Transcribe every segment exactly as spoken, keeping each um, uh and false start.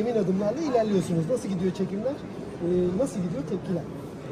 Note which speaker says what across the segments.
Speaker 1: emin adımlarla ilerliyorsunuz. Nasıl gidiyor çekimler? Ee, nasıl gidiyor tepkiler?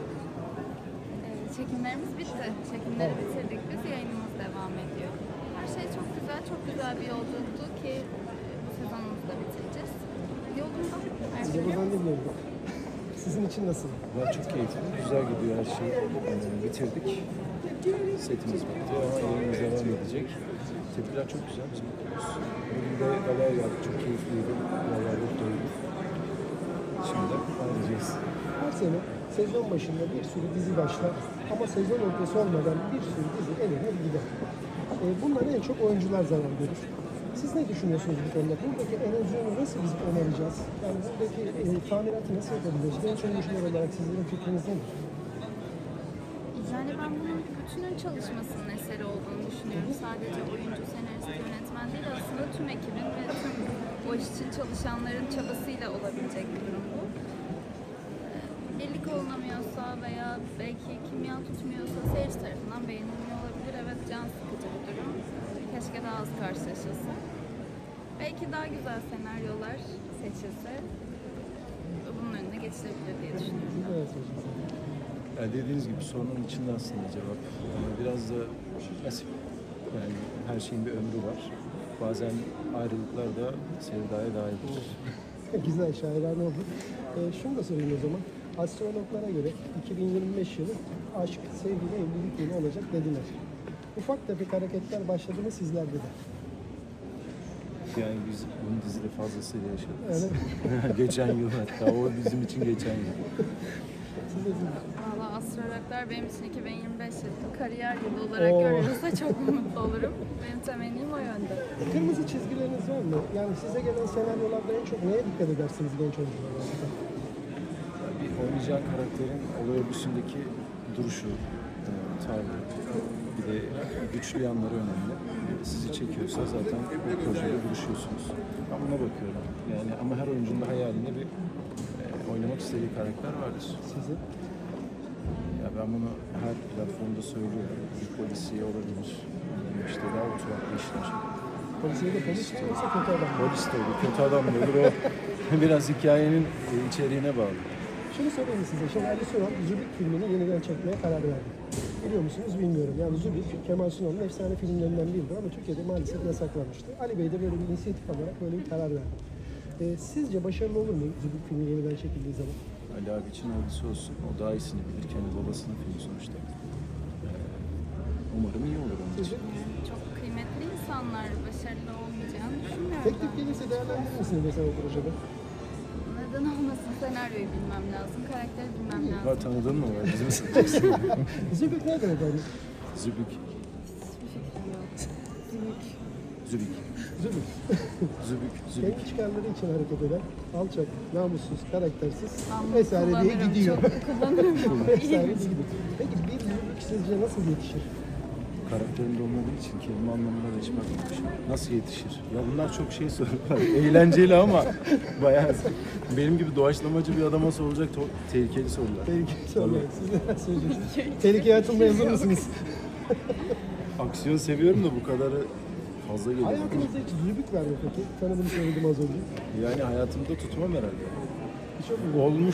Speaker 2: Ee, Çekimlerimiz bitti. Çekimleri bitirdik biz. Yayınımız devam ediyor. Her şey çok güzel, çok güzel bir yolculuktu ki e, bu sezonumuzu da bitireceğiz. Yolunda. Her
Speaker 1: Size
Speaker 2: şey
Speaker 1: buradan
Speaker 2: yolunda.
Speaker 1: dinliyorum. Sizin için nasıl?
Speaker 3: Valla çok keyifli, güzel gidiyor her şey. Ee, bitirdik. Setimiz bitti ama yayınımız devam edecek. Tepkiler çok güzel, biz mutluyuz. Bugün de galer yaptık, çok keyifliydi. Galerlik doyduk. Şimdi ayrıcayız.
Speaker 1: Her sene sezon başında bir sürü dizi başlar ama sezon ortası olmadan bir sürü dizi elenir gider. Ee, bundan en çok oyuncular zarar görür. Siz ne düşünüyorsunuz bu konuda? Buradaki erozyonu nasıl biz önereceğiz? Yani buradaki e, tamiratı nasıl yapabiliriz? Genç oyuncular olarak sizlerin fikriniz nedir?
Speaker 2: Yani ben bunun bir bütünün çalışmasının eseri olduğunu düşünüyorum. Sadece oyuncu, senarist, yönetmen değil, aslında tüm ekibin ve tüm o iş için çalışanların çabasıyla olabilecek bir durum bu. Ee, Birlik olunamıyorsa veya belki kimya tutmuyorsa seyirci tarafından beğenilmiyor olabilir. Evet, can sıkıcı bir durum. Keşke daha az karşılaşılsa. Belki daha güzel senaryolar seçilse bunun önüne geçilebilir diye düşünüyorum.
Speaker 1: Evet hocam.
Speaker 3: Yani dediğiniz gibi sorunun içinde aslında cevap. Yani biraz da nasip. Yani her şeyin bir ömrü var. Bazen ayrılıklar da sevdaya dairdir.
Speaker 1: Güzel, şairane oldu. Ee, şunu da sorayım o zaman. Astrologlara göre iki bin yirmi beş yılı aşk, sevgi ve evlilik yılı olacak dediler. Ufak tefek hareketler başladı mı sizlerde de?
Speaker 3: Yani biz bunu dizide fazlasıyla yaşadık.
Speaker 1: Evet.
Speaker 3: Geçen yıl hatta, o bizim için geçen yıl.
Speaker 1: Siz de siz.
Speaker 2: Valla astrologlar benim için iki bin yirmi beş yılını kariyer yılı olarak
Speaker 1: Oo.
Speaker 2: görüyorsa çok mutlu olurum. Benim temennim o yönde.
Speaker 1: Kırmızı çizgileriniz var mı? Yani size gelen senaryolarda en çok neye dikkat edersiniz genç oyuncular olarak?
Speaker 3: Yani bir oynayacağın karakterin olay örgüsündeki duruşu, e, tavrı, bir de güçlü yanları önemli. Sizi çekiyorsa zaten bu projede buluşuyorsunuz. Ben buna bakıyorum. Yani ama her oyuncunun da hayalinde bir e, oynamak istediği karakter vardır.
Speaker 1: Sizi?
Speaker 3: Ya ben bunu her platformda söylüyorum. Bir polisiye olabilir. İşte daha oturaklı işler.
Speaker 1: Polisiye de polis mi yoksa kötü adam mı?
Speaker 3: Polis de olur, kötü adam da olur. O biraz hikayenin e, içeriğine bağlı.
Speaker 1: Şunu söyleyeyim size. Şimdi Ali Sunal Zübük filmini yeniden çekmeye karar verdi. Biliyor musunuz bilmiyorum. Yani Zübük, Kemal Sunal'ın efsane filmlerinden biridir ama Türkiye'de maalesef yasaklanmıştı. Ali Bey de böyle bir inisiyatif alarak böyle bir karar verdi. Ee, sizce başarılı olur mu Zübük filmi yeniden çekildiği zaman?
Speaker 3: Ali abi için hayırlısı olsun. O daha iyisini bilir. Kendi babasının filmi sonuçta. Ee, umarım iyi olur onun için.
Speaker 1: Sizce?
Speaker 2: Çok kıymetli insanlar, başarılı olmayacağını düşünmüyorum
Speaker 1: Teklif
Speaker 2: ben.
Speaker 1: gelirse değerlendirir misiniz mesela o projede?
Speaker 2: Neden olmasın, senaryoyu bilmem lazım, karakteri bilmem
Speaker 3: Var,
Speaker 2: lazım.
Speaker 3: tanıdın mı var bizim
Speaker 1: Zübük nedir efendim?
Speaker 3: Zübük.
Speaker 2: Hiçbir fikrim yok. Büyük.
Speaker 3: Zübük.
Speaker 1: Zübük.
Speaker 3: Zübük. Zübük.
Speaker 1: Kendi çıkarları için hareket eden, alçak, namussuz, karaktersiz
Speaker 2: Ben
Speaker 1: vesaire diye
Speaker 2: kullanırım,
Speaker 1: gidiyor.
Speaker 2: Çok kullanırım.
Speaker 1: Vesaire diye gidiyor. Peki bir Zübük sizce nasıl yetişir?
Speaker 3: Karakterinde olmadığı için kelime anlamına da hiç bakmamışım. Nasıl yetişir? Ya bunlar çok şey sorular. Eğlenceli ama bayağı benim gibi doğaçlamacı bir adama sorulacak to- tehlikeli sorular.
Speaker 1: Tehlikeli sorular. Siz neler söyleyeceksiniz? Tehlikeye atılmaya hazır mısınız?
Speaker 3: Aksiyon seviyorum da bu kadarı fazla geliyor.
Speaker 1: Hayatınızda hiç Zübük var mı peki? Tanıdım söyledim az önce.
Speaker 3: Yani hayatımda tutmam herhalde.
Speaker 1: Hiç yok mu?
Speaker 3: Olmuş